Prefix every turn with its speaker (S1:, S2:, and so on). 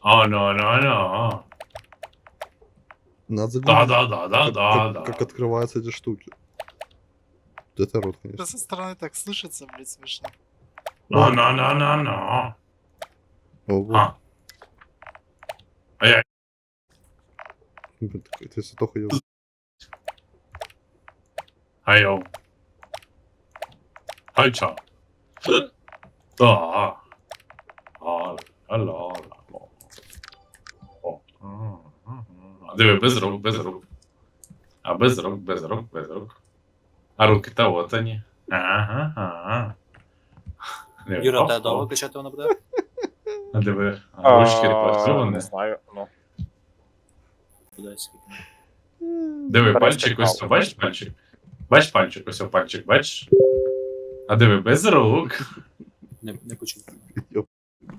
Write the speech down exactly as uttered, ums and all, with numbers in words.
S1: А, ну, ну, ну.
S2: Надо
S1: Да,
S2: загуглить,
S1: да, да, да,
S2: как,
S1: да,
S2: как-
S1: да.
S2: как открываются эти штуки. Это рот,
S3: Да
S2: конечно.
S3: со стороны так слышится, блядь, смешно.
S1: Ну, ну, ну, ну, ну.
S2: Ого.
S1: А. А я...
S2: Блин, так это если только я...
S1: А йоу. Хальча. Да. А, алло. О. А диви, без рук, без рук. А без рук, без рук, без рук. А руки-то от они. Ага, ага. Диви,
S4: Юра,
S1: оп,
S4: тебе довго
S1: оп.
S4: качати воно буде?
S1: А диви, а ручки
S5: А,
S1: працьовані.
S5: Не знаю, ну.
S4: Буде скільки.
S1: Диви,
S5: Перестань
S1: пальчик ось,
S5: палку.
S1: бачиш пальчик? Бачиш пальчик, ось о, пальчик, бачиш? А диви, без рук.
S4: Не, не почув.
S2: Ёп.